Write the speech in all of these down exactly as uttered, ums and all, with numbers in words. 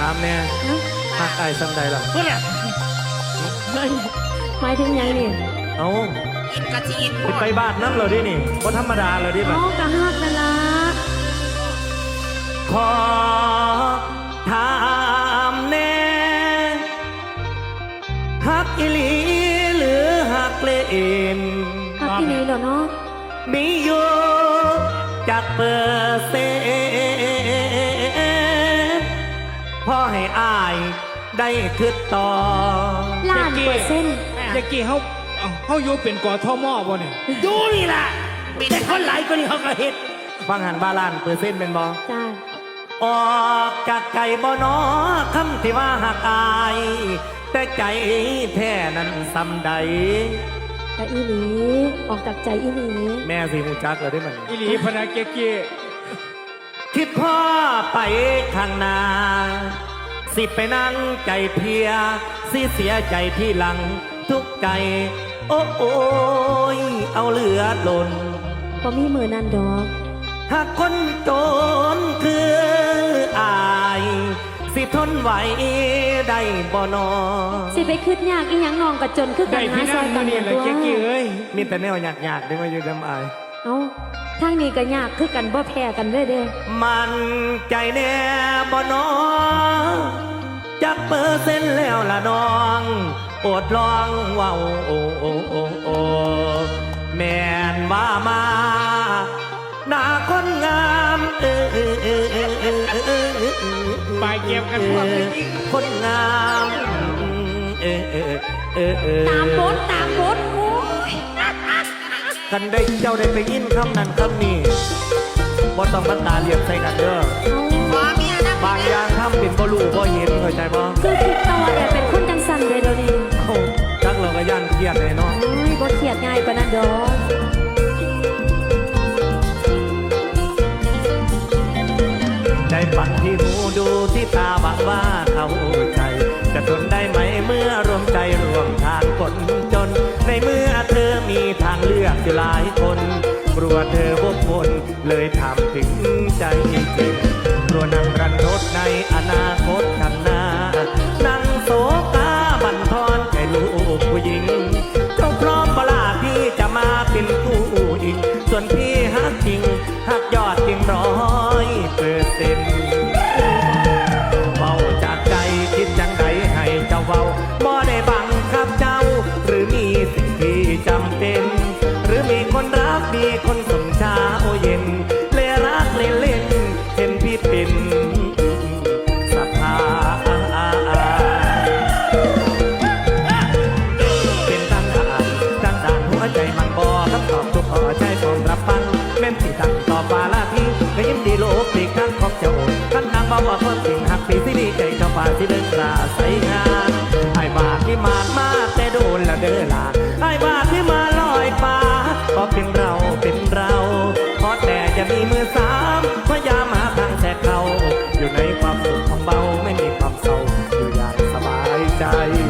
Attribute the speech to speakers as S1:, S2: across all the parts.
S1: ามแน่หักไอ้ซ้ำใดล่ะ
S2: เพื่อนอะ
S3: หมายถึงยังนี่
S1: เอา
S2: อินกะจีอิน
S1: ไปบ้านนั่งเราดินี่เพราะธรรมดาเราดิแบบ
S3: น้องกะฮักนั่นละ
S1: ขอถามแน่ฮักอิลีหรือฮักเล่น
S3: ฮักที่นี่เหรอเนาะ
S1: มีอยู่จากเปอร์เซ็นต์พอให้อายได้คืดต่อ
S3: ล้านเปอร์เซ็นต์
S4: ยากี้เขาเขาอยู่เป็นกอทมบ่เนี่ย
S2: ดูนี่ล่ะมีแต่คนหลายคนนี่เขาก็เห็น
S1: ฟังหันบาลานเปอร์เซ็นต์เป็นบ่
S3: จ้า
S1: ออกจากใจบ่นอคำที่ว่าหักอายแต่ใจแท้นั้นซ้ำใด
S3: แต่อีหลีออกจากใจอีหลี
S1: แม่สิหูจักเลยได้มัน
S4: อีหลีพนักเกี้ย
S1: คิดพ่อไปข้างหน้าสิไปนั่งใจเพียสิเสียใจที่หลังทุกใจโอ้โอ้ยเอาเหลือหล่น
S3: พอมีมือนั่นดอก
S1: หากคนโจรคืออายสิทนไหวได้บ่นอ
S3: สิไปคืดยากอีหยังนองกระจนคือกันหาซอยกัน
S4: เนี่ยตัว
S1: มีแต่แนวยากๆได้มาอยู่ดำอาย
S3: เอ้าทางนี้ก็ยากคือกันบ่แพ้กันเด้อเด้
S1: มันใจแน่บ่นอจักเปอร์เซ็นต์แล้วล่ะน้องอดลองว่าโอ้โอ้โอ้โอ้แม่นว่ามาหน้าคนงามเออเออเออเออเออเออเออ
S4: ไปเก็บกันพวก
S1: คนงามเออเออเออเออ
S3: ตามบทตามบทโอ้ย
S1: กันได้เจ้าได้ไปยินคำนั้นคำนี้บ่ต้องมาตาเรียบใส่กันเด้อบางอย่างทำเป็นบ่รู้บ่เห็นเข้าใจบ่
S3: คือคิดตัวแอบเป็นคนจังสันเลยเดี๋ยวนี้
S1: จักเราก็ย่านเครียดเลยเนาะ
S3: โอ้ยบ่เครียดง่ายปานนั้นดอก
S1: ใจฝันที่หูดูที่ตาบังว่าเข้าใจจะทนได้ไหมเมื่อรวมใจรวมทางคนจนในเมื่อเธอมีทางเลือกอยู่หลายคนกลัวเธอวกวนเลยทำถึงใจจริงกลัวนั่งรันทดในอนาคตข้างหน้านั่งโศกาบั่นทอนแค่ลูกผู้หญิงเจ้าพร้อมเวลาพี่จะมาเป็นผู้หญิงส่วนพี่ฮักจริงฮักยอดจริงร้อยเปอร์เซ็นต์เบาจากใจคิดจังใดให้เจ้าเบาบ่ได้บังคับเจ้าหรือมีสิ่งที่จำเป็นหรือมีคนรักมีคนสมชาโอเย็นเลรักเล่นเล่นเห็นพี่เป็นสภาเป็นตั้งด่านตั้งด่านหัวใจมันบ่คำตอบทุกข้อใจพร้อมรับฟังแม่นที่ตั้งต่อฟ้าละพี่ก็ยิ้มดีโลกปีกข้างของเจ้าท่านนางบ่ว่าคนสิ่งหักปีสิดีใจเจ้าฟ้าที่เดินราใส่งานไอ้บาที่มากมาแต่โดนละเด้อละไอ้บาที่มาลอยฟ้าก็เป็นเราเป็นเราเพราะแต่จะมีมือสามพยายามหาทางแทรกเขาอยู่ในความสุขของเบาไม่มีความเศร้าอยู่อย่างสบายใจ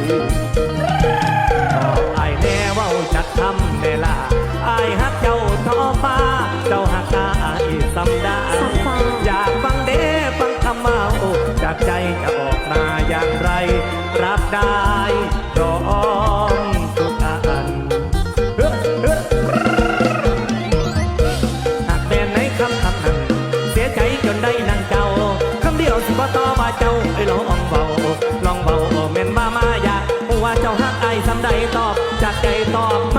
S1: ไอ้แน่ว่าจะทำเวลาไอ้ฮักเจ้าท้อฟ้าเจ้าฮักตาอีสัมดาอยากฟังเด้ฟังคำเมาจากใจจะออกมาอย่างไรรับได้รอมทุกอันหากแม่ในคำคำนั้นเสียใจจนได้นั่งเจ้าคำเดียวสิบ่ต่อว่าเจ้าไอ้ลองเบาลองเบาแม่นบ้ามายากว่าเจ้าฮักไอ้สำใดตอบจากใจตอบ